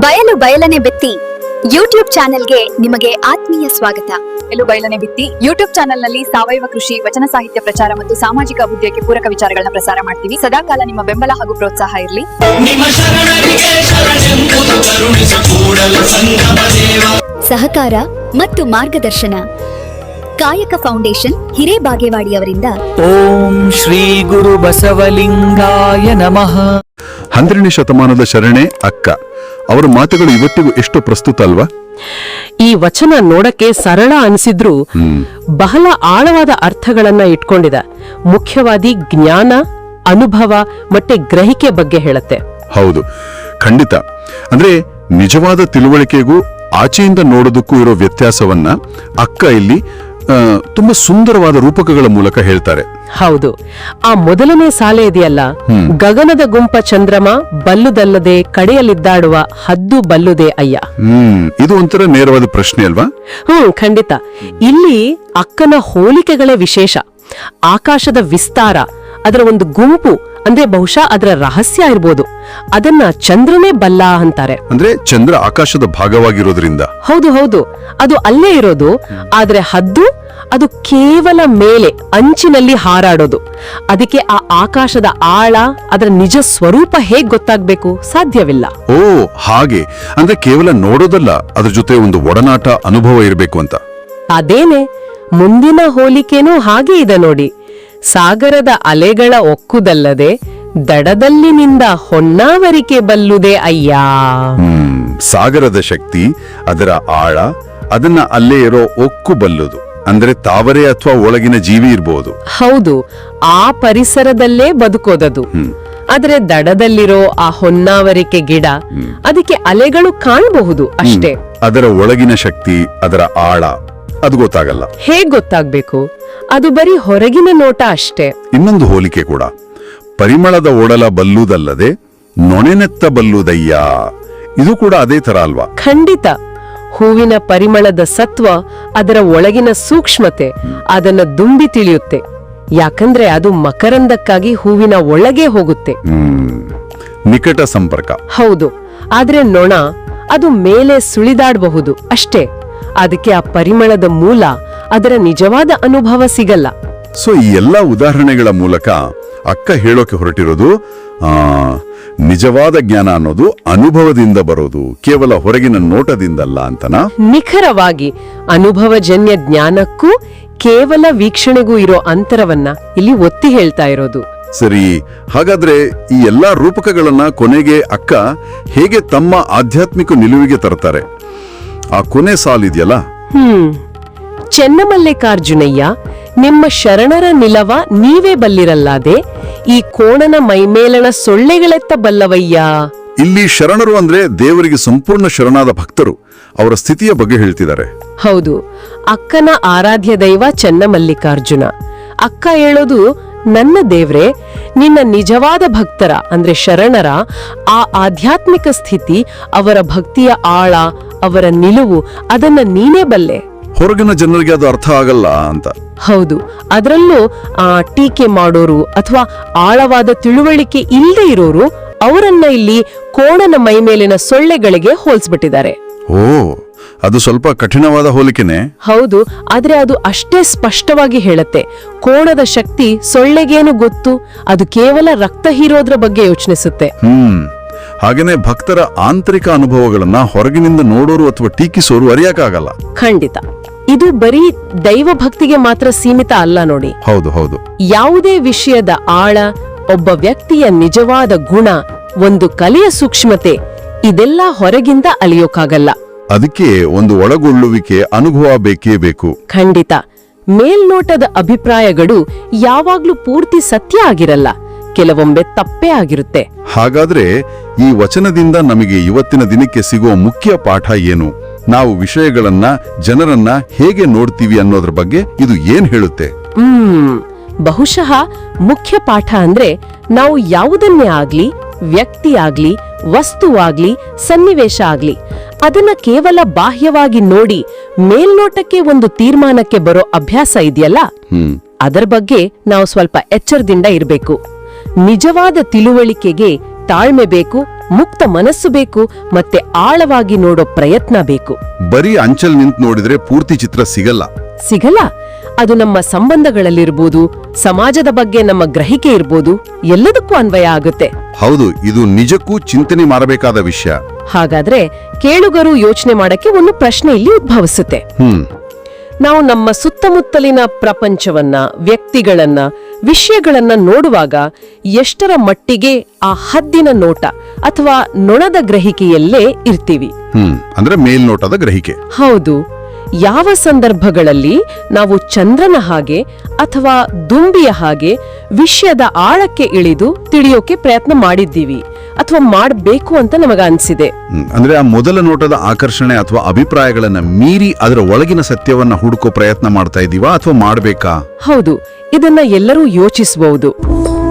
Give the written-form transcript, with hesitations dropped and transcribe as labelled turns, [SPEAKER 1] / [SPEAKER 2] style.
[SPEAKER 1] ಬಯಲು ಬಯಲನೆ ಬಿತ್ತಿ ಯೂಟ್ಯೂಬ್ ಚಾನೆಲ್ಗೆ ನಿಮಗೆ ಆತ್ಮೀಯ ಸ್ವಾಗತ.
[SPEAKER 2] ಬಯಲು ಬಯಲನೆ ಬಿತ್ತಿ ಯೂಟ್ಯೂಬ್ ಚಾನೆಲ್ನಲ್ಲಿ ಸಾವಯವ ಕೃಷಿ, ವಚನ ಸಾಹಿತ್ಯ ಪ್ರಚಾರ ಮತ್ತು ಸಾಮಾಜಿಕ ಅಭಿವೃದ್ಧಿಗೆ ಪೂರಕ ವಿಚಾರಗಳನ್ನ ಪ್ರಸಾರ ಮಾಡ್ತೀವಿ. ಸದಾಕಾಲ ನಿಮ್ಮ ಬೆಂಬಲ ಹಾಗೂ ಪ್ರೋತ್ಸಾಹ ಇರಲಿ.
[SPEAKER 1] ಸಹಕಾರ ಮತ್ತು ಮಾರ್ಗದರ್ಶನ ಕಾಯಕ ಫೌಂಡೇಶನ್ ಹಿರೇಬಾಗೇವಾಡಿಯವರಿಂದ.
[SPEAKER 3] ಓಂ ಶ್ರೀ ಗುರು ಬಸವಲಿಂಗಾಯ ನಮಃ.
[SPEAKER 4] 12ನೇ ಶತಮಾನದ ಶರಣೆ ಅಕ್ಕ ಅವರ ಮಾತುಗಳು ಇವತ್ತಿಗೂ ಎಷ್ಟು ಪ್ರಸ್ತುತ ಅಲ್ವಾ?
[SPEAKER 5] ಈ ವಚನ ನೋಡಕ್ಕೆ ಸರಳ ಅನಿಸಿದ್ರೂ ಬಹಳ ಆಳವಾದ ಅರ್ಥಗಳನ್ನ ಇಟ್ಕೊಂಡಿದೆ. ಮುಖ್ಯವಾದಿ ಜ್ಞಾನ, ಅನುಭವ ಮತ್ತೆ ಗ್ರಹಿಕೆ ಬಗ್ಗೆ ಹೇಳುತ್ತೆ.
[SPEAKER 4] ಹೌದು, ಖಂಡಿತ. ಅಂದ್ರೆ ನಿಜವಾದ ತಿಳುವಳಿಕೆಗೂ ಆಚೆಯಿಂದ ನೋಡೋದಕ್ಕೂ ಇರೋ ವ್ಯತ್ಯಾಸವನ್ನ ಅಕ್ಕ ಇಲ್ಲಿ ತುಂಬಾ ಸುಂದರವಾದ ರೂಪಕಗಳ ಮೂಲಕ ಹೇಳ್ತಾರೆ.
[SPEAKER 5] ಹೌದು, ಆ ಮೊದಲನೇ ಸಾಲೆ ಇದೆಯಲ್ಲ, ಗಗನದ ಗುಂಪ ಚಂದ್ರಮ ಬಲ್ಲುದಲ್ಲದೆ ಕಡೆಯಲ್ಲಿದ್ದಾಡುವ ಹದ್ದು ಬಲ್ಲುದೆ ಅಯ್ಯ.
[SPEAKER 4] ಇದು ಒಂಥರ ನೇರವಾದ ಪ್ರಶ್ನೆ ಅಲ್ವಾ?
[SPEAKER 5] ಖಂಡಿತ. ಇಲ್ಲಿ ಅಕ್ಕನ ಹೋಲಿಕೆಗಳೇ ವಿಶೇಷ. ಆಕಾಶದ ವಿಸ್ತಾರ, ಅದರ ಒಂದು ಗುಂಪು, ಅಂದ್ರೆ ಬಹುಶಃ ಅದರ ರಹಸ್ಯ ಇರ್ಬೋದು, ಅದನ್ನ ಚಂದ್ರನೇ ಬಲ್ಲ ಅಂತಾರೆ.
[SPEAKER 4] ಅಂದ್ರೆ ಚಂದ್ರ ಆಕಾಶದ ಭಾಗವಾಗಿರೋದ್ರಿಂದ.
[SPEAKER 5] ಹೌದು ಹೌದು, ಅದು ಅಲ್ಲೇ ಇರೋದು. ಆದ್ರೆ ಹದ್ದು ಅದು ಕೇವಲ ಮೇಲೆ ಅಂಚಿನಲ್ಲಿ ಹಾರಾಡೋದು. ಅದಕ್ಕೆ ಆ ಆಕಾಶದ ಆಳ, ಅದರ ನಿಜ ಸ್ವರೂಪ ಹೇಗ್ ಗೊತ್ತಾಗ್ಬೇಕು? ಸಾಧ್ಯವಿಲ್ಲ.
[SPEAKER 4] ಓ ಹಾಗೆ, ಅಂದ್ರೆ ಕೇವಲ ನೋಡೋದಲ್ಲ, ಅದ್ರ ಜೊತೆ ಒಂದು ಒಡನಾಟ, ಅನುಭವ ಇರಬೇಕು ಅಂತ.
[SPEAKER 5] ಅದೇನೆ ಮುಂದಿನ ಹೋಲಿಕೆನೂ ಹಾಗೆ ಇದೆ ನೋಡಿ. ಸಾಗರದ ಅಲೆಗಳ ಒಕ್ಕುದಲ್ಲದೆ ದಡದಲ್ಲಿನಿಂದ ಹೊನ್ನಾವರಿಕೆ ಬಲ್ಲುದೆ ಅಯ್ಯ.
[SPEAKER 4] ಸಾಗರದ ಶಕ್ತಿ, ಅದರ ಆಳ, ಅದನ್ನ ಅಲ್ಲೇ ಇರೋ ಒಕ್ಕು ಬಲ್ಲುದು. ಅಂದ್ರೆ ತಾವರೆ ಅಥವಾ ಒಳಗಿನ ಜೀವಿ ಇರಬಹುದು.
[SPEAKER 5] ಹೌದು, ಆ ಪರಿಸರದಲ್ಲೇ ಬದುಕೋದದು. ಆದ್ರೆ ದಡದಲ್ಲಿರೋ ಆ ಹೊನ್ನಾವರಿಕೆ ಗಿಡ, ಅದಕ್ಕೆ ಅಲೆಗಳು ಕಾಣಬಹುದು ಅಷ್ಟೇ.
[SPEAKER 4] ಅದರ ಒಳಗಿನ ಶಕ್ತಿ, ಅದರ ಆಳ ಅದು ಗೊತ್ತಾಗಲ್ಲ.
[SPEAKER 5] ಹೇಗ್ ಗೊತ್ತಾಗ್ಬೇಕು? ಅದು ಬರೀ ಹೊರಗಿನ ನೋಟ ಅಷ್ಟೇ.
[SPEAKER 4] ಇನ್ನೊಂದು ಹೋಲಿಕೆ ಕೂಡ, ಪರಿಮಳದ ಒಡಲ ಬಲ್ಲುದಲ್ಲದೆ ನೊಣೆನೆತ್ತ ಬಲ್ಲುದಯ್ಯ. ಇದು ಕೂಡ ಅದೇ ತರ ಅಲ್ವಾ?
[SPEAKER 5] ಖಂಡಿತ. ಹೂವಿನ ಪರಿಮಳದ ಸತ್ವ, ಅದರ ಒಳಗಿನ ಸೂಕ್ಷ್ಮತೆ ಅದನ್ನ ದುಂಬಿ ತಿಳಿಯುತ್ತೆ. ಯಾಕಂದ್ರೆ ಅದು ಮಕರಂದಕ್ಕಾಗಿ ಹೂವಿನ ಒಳಗೆ ಹೋಗುತ್ತೆ.
[SPEAKER 4] ನಿಕಟ ಸಂಪರ್ಕ.
[SPEAKER 5] ಹೌದು, ಆದ್ರೆ ನೊಣ ಅದು ಮೇಲೆ ಸುಳಿದಾಡಬಹುದು ಅಷ್ಟೇ. ಅದಕ್ಕೆ ಆ ಪರಿಮಳದ ಮೂಲ, ಅದರ ನಿಜವಾದ ಅನುಭವ ಸಿಗಲ್ಲ.
[SPEAKER 4] ಸೊ ಈ ಎಲ್ಲಾ ಉದಾಹರಣೆಗಳ ಮೂಲಕ ಅಕ್ಕ ಹೇಳೋಕೆ ಹೊರಟಿರೋದು, ನಿಜವಾದ ಜ್ಞಾನ ಅನ್ನೋದು ಅನುಭವದಿಂದ ಬರೋದು, ಕೇವಲ ಹೊರಗಿನ ನೋಟದಿಂದಲ್ಲ ಅಂತನಾ?
[SPEAKER 5] ನಿಖರವಾಗಿ. ಅನುಭವಜನ್ಯ ಜ್ಞಾನಕ್ಕೂ ಕೇವಲ ವೀಕ್ಷಣೆಗೂ ಇರೋ ಅಂತರವನ್ನ ಇಲ್ಲಿ ಒತ್ತಿ ಹೇಳ್ತಾ ಇರೋದು.
[SPEAKER 4] ಸರಿ, ಹಾಗಾದ್ರೆ ಈ ಎಲ್ಲಾ ರೂಪಕಗಳನ್ನ ಕೊನೆಗೆ ಅಕ್ಕ ಹೇಗೆ ತಮ್ಮ ಆಧ್ಯಾತ್ಮಿಕ ನಿಲುವಿಗೆ ತರ್ತಾರೆ? ಆ ಕೊನೆ ಸಾಲಿದೆಯಲ್ಲ,
[SPEAKER 5] ಚೆನ್ನಮಲ್ಲಿಕಾರ್ಜುನಯ್ಯ, ನಿಮ್ಮ ಶರಣರ ನಿಲವ ನೀವೇ ಬಲ್ಲಿರಲ್ಲಾದೆ, ಈ ಕೋಣನ ಮೈಮೇಲಣ ಸೊಳ್ಳೆಗಳೆತ್ತ ಬಲ್ಲವಯ್ಯ.
[SPEAKER 4] ಇಲ್ಲಿ ಶರಣರು ಅಂದ್ರೆ ದೇವರಿಗೆ ಸಂಪೂರ್ಣ ಶರಣಾದ ಭಕ್ತರು, ಅವರ ಸ್ಥಿತಿಯ ಬಗ್ಗೆ ಹೇಳ್ತಿದ್ದಾರೆ.
[SPEAKER 5] ಹೌದು, ಅಕ್ಕನ ಆರಾಧ್ಯ ದೈವ ಚೆನ್ನಮಲ್ಲಿಕಾರ್ಜುನ. ಅಕ್ಕ ಹೇಳೋದು, ನನ್ನ ದೇವ್ರೆ, ನಿನ್ನ ನಿಜವಾದ ಭಕ್ತರ ಅಂದ್ರೆ ಶರಣರ ಆ ಆಧ್ಯಾತ್ಮಿಕ ಸ್ಥಿತಿ, ಅವರ ಭಕ್ತಿಯ ಆಳ, ಅವರ ನಿಲುವು, ಅದನ್ನ ನೀನೇ ಬಲ್ಲೆ.
[SPEAKER 4] ಹೊರಗಿನ ಜನರಿಗೆ ಅದು ಅರ್ಥ ಆಗಲ್ಲ ಅಂತ.
[SPEAKER 5] ಹೌದು, ಅದರಲ್ಲೂ ಟೀಕೆ ಮಾಡೋರು ಅಥವಾ ಆಳವಾದ ತಿಳುವಳಿಕೆ ಇಲ್ಲದೆ ಇರೋರು, ಅವರನ್ನ ಇಲ್ಲಿ ಕೋಣನ ಮೈಮೇಲಿನ ಸೊಳ್ಳೆಗಳಿಗೆ ಹೋಲ್ಸ್ಬಿಟ್ಟಿದ್ದಾರೆ.
[SPEAKER 4] ಓ, ಅದು ಸ್ವಲ್ಪ ಕಠಿಣವಾದ ಹೋಲಿಕೆನೆ.
[SPEAKER 5] ಹೌದು, ಆದ್ರೆ ಅದು ಅಷ್ಟೇ ಸ್ಪಷ್ಟವಾಗಿ ಹೇಳುತ್ತೆ. ಕೋಣದ ಶಕ್ತಿ ಸೊಳ್ಳೆಗೇನು ಗೊತ್ತು? ಅದು ಕೇವಲ ರಕ್ತ ಹೀರೋದ್ರ ಬಗ್ಗೆ ಯೋಚಿಸುತ್ತೆ.
[SPEAKER 4] ಹಾಗೇನೆ ಭಕ್ತರ ಆಂತರಿಕ ಅನುಭವಗಳನ್ನ ಹೊರಗಿನಿಂದ ನೋಡೋರು ಅಥವಾ ಟೀಕಿಸೋರು ಅರಿಯಕ್ಕಾಗಲ್ಲ.
[SPEAKER 5] ಖಂಡಿತ. ಇದು ಬರೀ ದೈವ ಭಕ್ತಿಗೆ ಮಾತ್ರ ಸೀಮಿತ ಅಲ್ಲ ನೋಡಿ.
[SPEAKER 4] ಹೌದು ಹೌದು,
[SPEAKER 5] ಯಾವುದೇ ವಿಷಯದ ಆಳ, ಒಬ್ಬ ವ್ಯಕ್ತಿಯ ನಿಜವಾದ ಗುಣ, ಒಂದು ಕಲೆಯ ಸೂಕ್ಷ್ಮತೆ, ಇದೆಲ್ಲ ಹೊರಗಿಂದ ಅಲಿಯೋಕ್ಕಾಗಲ್ಲ.
[SPEAKER 4] ಅದಕ್ಕೆ ಒಂದು ಒಳಗೊಳ್ಳುವಿಕೆ, ಅನುಭವ ಬೇಕೇ ಬೇಕು.
[SPEAKER 5] ಖಂಡಿತ. ಮೇಲ್ನೋಟದ ಅಭಿಪ್ರಾಯಗಳು ಯಾವಾಗ್ಲೂ ಪೂರ್ತಿ ಸತ್ಯ ಆಗಿರಲ್ಲ, ಕೆಲವೊಮ್ಮೆ ತಪ್ಪೇ ಆಗಿರುತ್ತೆ.
[SPEAKER 4] ಹಾಗಾದ್ರೆ ಈ ವಚನದಿಂದ ನಮಗೆ ಇವತ್ತಿನ ದಿನಕ್ಕೆ ಸಿಗುವ ಮುಖ್ಯ ಪಾಠ ಏನು? ನಾವು ವಿಷಯಗಳನ್ನ, ಜನರನ್ನ ಹೇಗೆ ನೋಡ್ತೀವಿ ಅನ್ನೋದ್ರ ಬಗ್ಗೆ ಇದು ಏನ್ ಹೇಳುತ್ತೆ?
[SPEAKER 5] ಬಹುಶಃ ಮುಖ್ಯ ಪಾಠ ಅಂದ್ರೆ, ನಾವು ಯಾವುದನ್ನೇ ಆಗ್ಲಿ, ವ್ಯಕ್ತಿ ಆಗ್ಲಿ, ವಸ್ತುವಾಗ್ಲಿ, ಸನ್ನಿವೇಶ ಆಗ್ಲಿ, ಅದನ್ನ ಕೇವಲ ಬಾಹ್ಯವಾಗಿ ನೋಡಿ ಮೇಲ್ನೋಟಕ್ಕೆ ಒಂದು ತೀರ್ಮಾನಕ್ಕೆ ಬರೋ ಅಭ್ಯಾಸ ಇದೆಯಲ್ಲ, ಅದರ ಬಗ್ಗೆ ನಾವು ಸ್ವಲ್ಪ ಎಚ್ಚರದಿಂದ ಇರಬೇಕು. ನಿಜವಾದ ತಿಳುವಳಿಕೆಗೆ ತಾಳ್ಮೆ ಬೇಕು, ಮುಕ್ತ ಮನಸ್ಸು ಬೇಕು ಮತ್ತೆ ಆಳವಾಗಿ ನೋಡೋ ಪ್ರಯತ್ನ ಬೇಕು.
[SPEAKER 4] ಬರೀ ಅಂಚಲ್ ನಿಂತು ನೋಡಿದ್ರೆ ಪೂರ್ತಿ ಚಿತ್ರ ಸಿಗಲ್ಲ.
[SPEAKER 5] ಸಿಗಲ್ಲ. ಅದು ನಮ್ಮ ಸಂಬಂಧಗಳಲ್ಲಿರ್ಬೋದು, ಸಮಾಜದ ಬಗ್ಗೆ ನಮ್ಮ ಗ್ರಹಿಕೆ ಇರ್ಬೋದು, ಎಲ್ಲದಕ್ಕೂ ಅನ್ವಯ ಆಗುತ್ತೆ.
[SPEAKER 4] ಹೌದು, ಇದು ನಿಜಕ್ಕೂ ಚಿಂತನೆ ಮಾಡಬೇಕಾದ ವಿಷಯ.
[SPEAKER 5] ಹಾಗಾದ್ರೆ ಕೇಳುಗರು ಯೋಚನೆ ಮಾಡಕ್ಕೆ ಒಂದು ಪ್ರಶ್ನೆ ಇಲ್ಲಿ ಉದ್ಭವಿಸುತ್ತೆ. ನಾವು ನಮ್ಮ ಸುತ್ತಮುತ್ತಲಿನ ಪ್ರಪಂಚವನ್ನ, ವ್ಯಕ್ತಿಗಳನ್ನ, ವಿಷಯಗಳನ್ನ ನೋಡುವಾಗ ಎಷ್ಟರ ಮಟ್ಟಿಗೆ ಆ ಹದ್ದಿನ ನೋಟ ಅಥವಾ ನೊಣದ ಗ್ರಹಿಕೆಯಲ್ಲೇ ಇರ್ತೀವಿ?
[SPEAKER 4] ಅಂದ್ರೆ ಮೇಲ್ನೋಟದ ಗ್ರಹಿಕೆ.
[SPEAKER 5] ಹೌದು. ಯಾವ ಸಂದರ್ಭಗಳಲ್ಲಿ ನಾವು ಚಂದ್ರನ ಹಾಗೆ ಅಥವಾ ದುಂಬಿಯ ಹಾಗೆ ವಿಷಯದ ಆಳಕ್ಕೆ ಇಳಿದು ತಿಳಿಯೋಕೆ ಪ್ರಯತ್ನ ಮಾಡಿದ್ದೀವಿ ಅಥವಾ ಮಾಡಬೇಕು ಅಂತ ನಮಗ ಅನ್ಸಿದೆ?
[SPEAKER 4] ಅಂದ್ರೆ ಆ ಮೊದಲ ನೋಟದ ಆಕರ್ಷಣೆ ಅಥವಾ ಅಭಿಪ್ರಾಯಗಳನ್ನ ಮೀರಿ ಅದರ ಒಳಗಿನ ಸತ್ಯವನ್ನ ಹುಡುಕೋ ಪ್ರಯತ್ನ ಮಾಡ್ತಾ ಇದೀವಾ ಅಥವಾ ಮಾಡಬೇಕಾ?
[SPEAKER 5] ಹೌದು, ಇದನ್ನ ಎಲ್ಲರೂ ಯೋಚಿಸಬಹುದು.